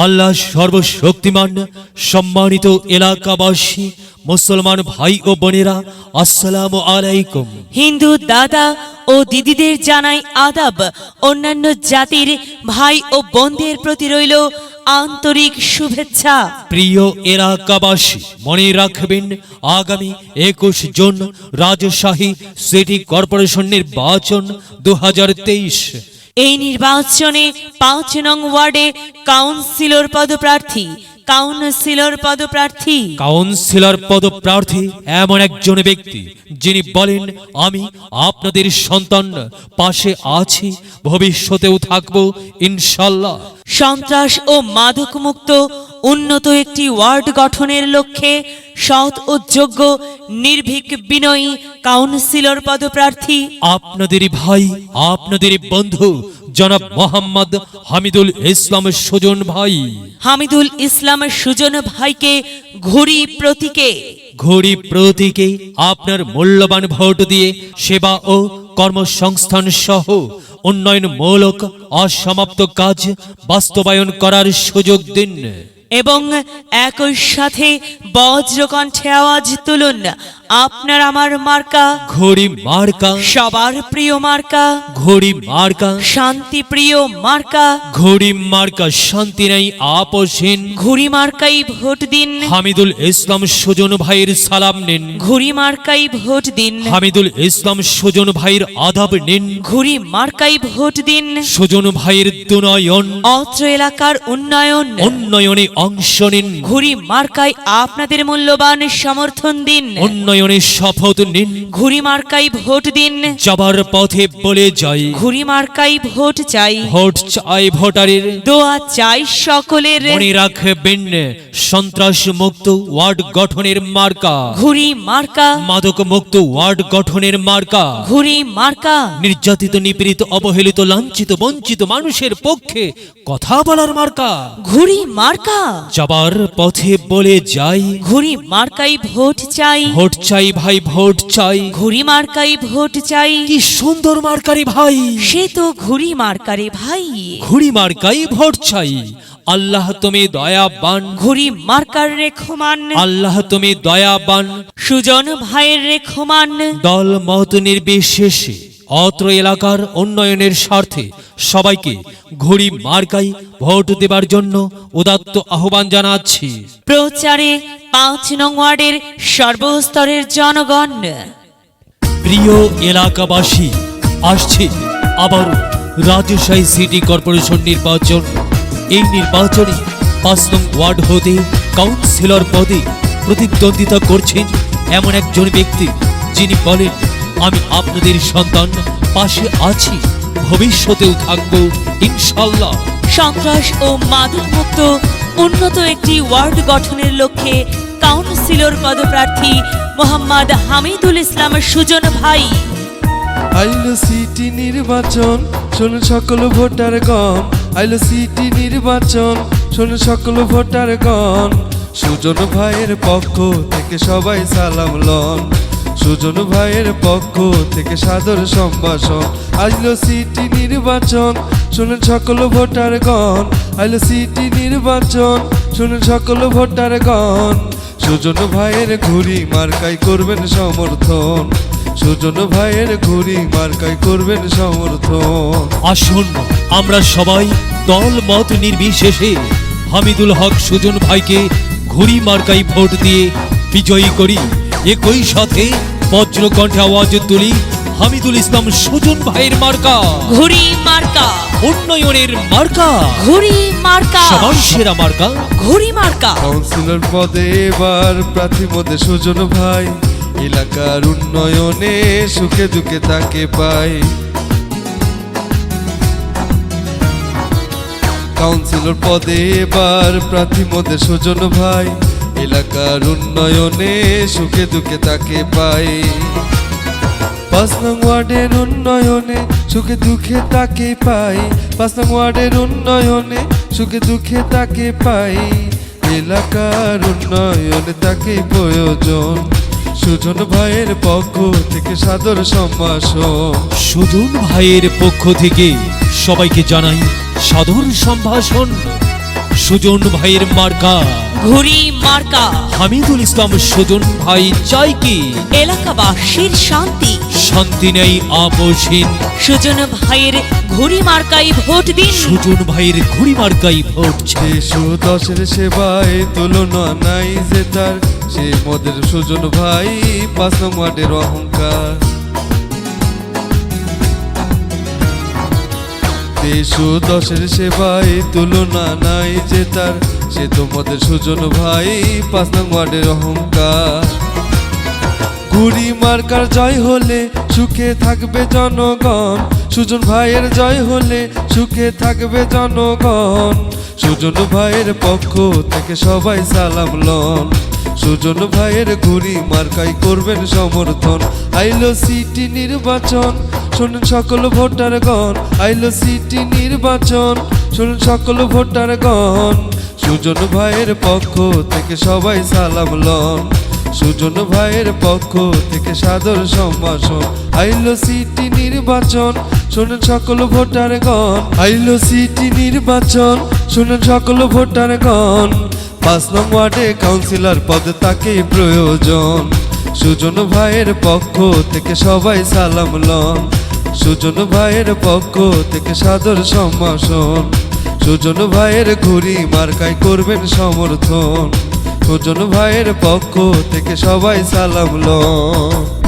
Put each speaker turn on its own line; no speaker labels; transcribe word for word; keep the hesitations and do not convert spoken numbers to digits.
আল্লাহ সর্বশক্তিমান। সম্মানিত এলাকাবাসী, মুসলমান ভাই ও বোনেরা, আসসালামু আলাইকুম।
হিন্দু দাদা ও দিদিদের জানাই আদাব। অন্যান্য জাতির ভাই ও বোনদের প্রতি রইল আন্তরিক শুভেচ্ছা।
প্রিয় এলাকাবাসী, মনে রাখবেন আগামী একুশ জুন রাজশাহী সিটি কর্পোরেশন নির্বাচন দু হাজার তেইশ।
এই নির্বাচনে পাঁচ নং ওয়ার্ডে কাউন্সিলর পদপ্রার্থী কাউন্সিলর পদপ্রার্থী
কাউন্সিলর পদপ্রার্থী এমন একজন ব্যক্তি যিনি বলেন, আমি আপনাদের সন্তান, পাশে আছি, ভবিষ্যতেও থাকবো ইনশাল্লাহ।
সন্ত্রাস ও মাদক মুক্ত উন্নত একটি ওয়ার্ড গঠনের লক্ষ্যে সৎ ও যোগ্য নির্ভীক বিনয়ী কাউন্সিলর পদপ্রার্থী
আপনাদেরই ভাই, আপনাদেরই বন্ধু জনাব মোহাম্মদ হামিদুল ইসলাম সুজন ভাই।
হামিদুল ইসলাম সুজন ভাইকে ঘুড়ি প্রতীকে
ঘড়ি প্রতীকে আপনার মূল্যবান ভোট দিয়ে সেবা ও কর্মসংস্থান সহ উন্নয়নমূলক অসমাপ্ত কাজ বাস্তবায়ন করার সুযোগ দিন
এবং একই সাথে বজ্রকণ্ঠে আওয়াজ তুলুন, আপনার আমার মার্কা
ঘড়ি মার্কা,
সবার প্রিয় মার্কা,
ঘড়ি মার্কা,
শান্তি প্রিয় মার্কা,
ঘড়ি মার্কা, শান্তি নাই আপোষহীন।
ঘুড়ি মার্কাই ভোট দিন,
হামিদুল ইসলাম সুজন ভাইয়ের সালাম নিন,
ঘুড়ি মার্কাই ভোট দিন,
হামিদুল ইসলাম সুজন ভাইয়ের আদাব নিন,
ঘুড়ি মার্কাই ভোট দিন।
সুজন ভাইয়ের দুনয়ন
অত্র এলাকার উন্নয়ন
উন্নয়নে অংশ নিন,
ঘুড়ি মার্কাই আপনাদের মূল্যবান সমর্থন দিন,
উন্নয়নে শপথ নিন।
ঘুড়ি মার্কাই ভোট দিন,
যাবার পথে বলে যাই,
ঘুড়ি মার্কাই ভোট চাই,
ভোট চাই ভোটারের,
দোয়া চাই সকলের।
মনে রাখবেন সন্ত্রাস মুক্ত ওয়ার্ড গঠনের মার্কা,
ঘুড়ি মার্কা,
মাদক মুক্ত ওয়ার্ড গঠনের মার্কা,
ঘুড়ি মার্কা,
নির্যাতিত, নিপীড়িত, অবহেলিত, লাঞ্ছিত, বঞ্চিত মানুষের পক্ষে কথা বলার মার্কা।
ঘুড়ি মার্কা,
যাবার পথে বলে যাই,
ঘুড়ি মার্কাই ভোট চাই,
ভোট চাই ভাই, ভোট চাই।
ঘুড়ি মার্কাই ভোট চাই।
কি সুন্দর মার্কারি ভাই,
সে তো ঘুড়ি মার্কারে ভাই।
ঘুড়ি মার্কাই ভোট চাই। আল্লাহ তুমি দয়াবান,
ঘুড়ি মার্কার রেখমান,
আল্লাহ তুমি দয়াবান।
সুজন ভাইয়ের রেখমান।
দল মত নির্বিশেষে অত্র এলাকার উন্নয়নের স্বার্থে সবাইকে ঘুড়ি মার্কাই ভোট দেবার জন্য উদাত্ত আহ্বান জানাচ্ছি।
প্রচারে পাঁচ নং ওয়ার্ডের সর্বস্তরের জনগণ।
প্রিয় এলাকাবাসী, আসছে আবার রাজশাহী সিটি কর্পোরেশন নির্বাচন। এই নির্বাচনে পাঁচ নং ওয়ার্ড হতে কাউন্সিলর পদে প্রতিদ্বন্দ্বিতা করছেন এমন একজন ব্যক্তি যিনি বলেন, আমি আপনাদের সন্তান, পাশে আছি, ভবিষ্যতেও থাকবো ইনশাল্লাহ।
সন্ত্রাস ও মাদক মুক্ত উন্নত একটি ওয়ার্ড গঠনের লক্ষ্যে কাউন্সিলর পদপ্রার্থী মোহাম্মদ হামিদুল ইসলাম সুজন ভাই।
আইলো সিটি নির্বাচন, শোনো সকল ভোটারগণ। আইলো সিটি নির্বাচন, শোনো সকল ভোটারগণ। সুজন ভাইয়ের পক্ষ থেকে সবাই সালাম লন, সুজন ভাইয়ের পক্ষ থেকে সাদর সম্ভাষণ। আইলো সিটি নির্বাচন, শোনেন সকল ভোটারগণ। আইলো সিটি নির্বাচন, শোনেন সকল ভোটারগণ। সুজন ভাইয়ের ঘুড়ি মার্কাই করবেন সমর্থন, সুজন ভাইয়ের ঘুড়ি মার্কাই করবেন সমর্থন।
আসুন আমরা সবাই দল মত নির্বিশেষে হামিদুল হক সুজন ভাইকে ঘুড়ি মার্কাই ভোট দিয়ে বিজয়ী করি। একই সাথে বজ্রকণ্ঠে আওয়াজ তুলি, হামিদুল ইসলাম সুজন ভাইয়ের মার্কা
ঘুড়ি মার্কা,
উন্নয়নের মার্কা,
ঘুড়ি মার্কা,
সবার সেরা মার্কা
ঘুড়ি মার্কা।
কাউন্সিলর পদে এবার প্রার্থী মধ্যে সুজন ভাই, এলাকার উন্নয়নে সুখে দুঃখে তাকে পাই। কাউন্সিলর পদে এবার প্রার্থী মধ্যে সুজন ভাই, এলাকার উন্নয়নে সুখে দুঃখে তাকে পাই। পাঁচ নং ওয়ার্ডের উন্নয়নে সুখে দুঃখে তাকে পাই, পাঁচ নং ওয়ার্ডের উন্নয়নে সুখে দুঃখে তাকে পাই। এলাকার উন্নয়নে তাকে প্রয়োজন, সুজন ভাইয়ের পক্ষ থেকে সাদর সম্ভাষণ।
সুজন ভাইয়ের পক্ষ থেকে সবাইকে জানাই সাদর সম্ভাষণ। সুজন ভাইয়ের মার্কা
ঘুড়ি মার্কা।
হামিদুল ইসলাম সুজন ভাই চাই কি
এলাকাবাসীর শান্তি,
শান্তি নেই আপোষহীন।
সুজন ভাইয়ের ঘুড়ি মার্কাই ভোট দিন।
সুজন ভাইয়ের ঘুড়ি মার্কাই ভোট চাই।
দেশ ও দশের সেবায় তুলনা নাই যে তার, সে মোদের সুজন ভাই পাঁচ নং ওয়ার্ডের অহংকার। দেশ ও দশের সেবায় তুলনা নাই যে তার, সে তোমাদের সুজন ভাই পাঁচ নং ওয়ার্ডের অহংকার। ঘুড়ি মার্কার জয় হলে সুখে থাকবে জনগণ, সুজন ভাইয়ের জয় হলে সুখে থাকবে জনগণ। সুজন ভাইয়ের পক্ষ থেকে সবাই সালাম লন, সুজন ভাইয়ের ঘুড়ি মার্কাই করবেন সমর্থন। আইলো সিটি নির্বাচন, শুনুন সকল ভোটারগণ, আইলো সিটি নির্বাচন, শুনুন সকল ভোটারগণ। সুজন ভাইয়ের পক্ষ থেকে সবাই সালাম লন, সুজন ভাইয়ের পক্ষ থেকে সাদর সম্ভাষণ। আইলো সিটি নির্বাচন, শুনুন সকল ভোটারগণ, আইলো সিটি নির্বাচন, শুনুন সকল ভোটারগণ। পাঁচ নং ওয়ার্ডে কাউন্সিলর পদ তাকেই প্রয়োজন, সুজন ভাইয়ের পক্ষ থেকে সবাই সালাম লন, সুজন ভাইয়ের পক্ষ থেকে সাদর সম্ভাষণ। সুজন ভাইয়ের ঘুড়ি মার্কাই করবেন সমর্থন, সুজন ভাইয়ের পক্ষ থেকে সবাই সালাম লন।